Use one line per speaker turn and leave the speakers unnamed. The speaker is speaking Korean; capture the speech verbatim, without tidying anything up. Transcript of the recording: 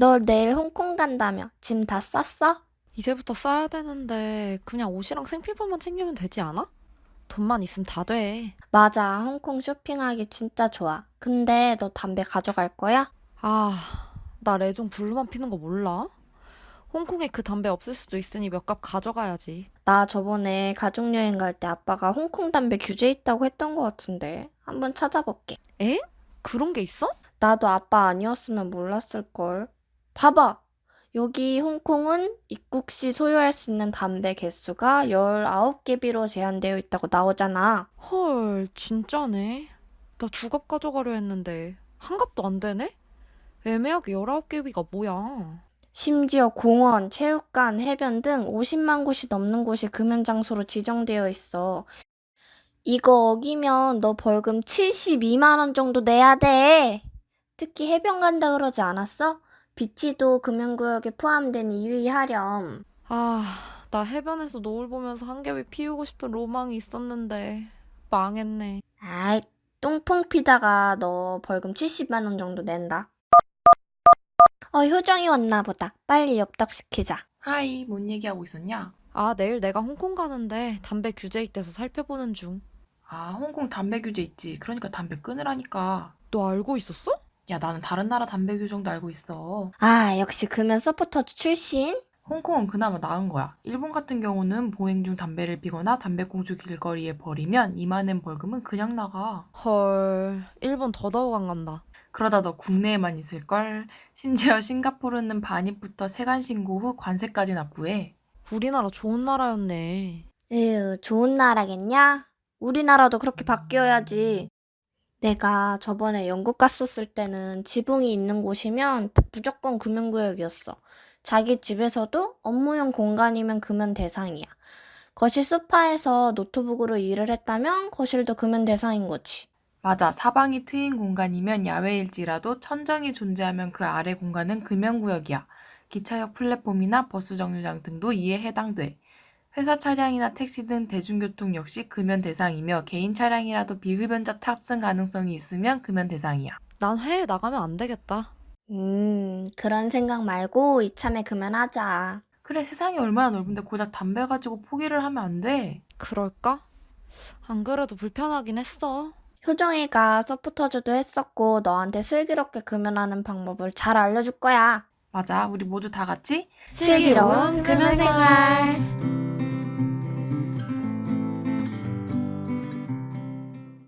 너 내일 홍콩 간다며. 짐 다 쌌어?
이제부터 써야 되는데 그냥 옷이랑 생필품만 챙기면 되지 않아? 돈만 있으면 다 돼.
맞아, 홍콩 쇼핑하기 진짜 좋아. 근데 너 담배 가져갈 거야?
아, 나 레종 블루만 피는 거 몰라? 홍콩에 그 담배 없을 수도 있으니 몇 갑 가져가야지.
나 저번에 가족여행 갈 때 아빠가 홍콩 담배 규제 있다고 했던 것 같은데. 한번 찾아볼게.
에? 그런 게 있어?
나도 아빠 아니었으면 몰랐을걸. 봐봐! 여기 홍콩은 입국 시 소유할 수 있는 담배 개수가 열아홉 개비로 제한되어 있다고 나오잖아.
헐, 진짜네. 나 두 갑 가져가려 했는데 한 갑도 안 되네? 애매하게 열아홉 개비가 뭐야?
심지어 공원, 체육관, 해변 등 오십만 곳이 넘는 곳이 금연 장소로 지정되어 있어. 이거 어기면 너 벌금 칠십이만 원 정도 내야 돼. 특히 해변 간다 그러지 않았어? 비치도 금연구역에 포함되니 유의하렴.
아, 나 해변에서 노을 보면서 한 개비 피우고 싶은 로망이 있었는데 망했네.
아이, 똥퐁 피다가 너 벌금 칠십만 원 정도 낸다. 어, 효정이 왔나 보다. 빨리 엽떡 시키자.
하이, 뭔 얘기하고 있었냐?
아, 내일 내가 홍콩 가는데 담배 규제 있대서 살펴보는 중.
아, 홍콩 담배 규제 있지. 그러니까 담배 끊으라니까.
너 알고 있었어?
야, 나는 다른 나라 담배 규정도 알고 있어.
아, 역시 금연 서포터즈 출신?
홍콩은 그나마 나은 거야. 일본 같은 경우는 보행 중 담배를 피거나 담배꽁초 길거리에 버리면 이만 엔 벌금은 그냥 나가.
헐, 일본 더더욱 안 간다.
그러다 너 국내에만 있을걸? 심지어 싱가포르는 반입부터 세관 신고 후 관세까지 납부해.
우리나라 좋은 나라였네.
에휴, 좋은 나라겠냐? 우리나라도 그렇게 바뀌어야지. 내가 저번에 영국 갔었을 때는 지붕이 있는 곳이면 무조건 금연구역이었어. 자기 집에서도 업무용 공간이면 금연 대상이야. 거실 소파에서 노트북으로 일을 했다면 거실도 금연 대상인 거지.
맞아. 사방이 트인 공간이면 야외일지라도 천정이 존재하면 그 아래 공간은 금연구역이야. 기차역 플랫폼이나 버스 정류장 등도 이에 해당돼. 회사 차량이나 택시 등 대중교통 역시 금연 대상이며 개인 차량이라도 비흡연자 탑승 가능성이 있으면 금연 대상이야.
난 해외 나가면 안 되겠다.
음, 그런 생각 말고 이참에 금연하자.
그래, 세상이 얼마나 넓은데 고작 담배 가지고 포기를 하면 안 돼.
그럴까? 안 그래도 불편하긴 했어.
효정이가 서포터즈도 했었고 너한테 슬기롭게 금연하는 방법을 잘 알려줄 거야.
맞아, 우리 모두 다 같이
슬기로운 금연생활.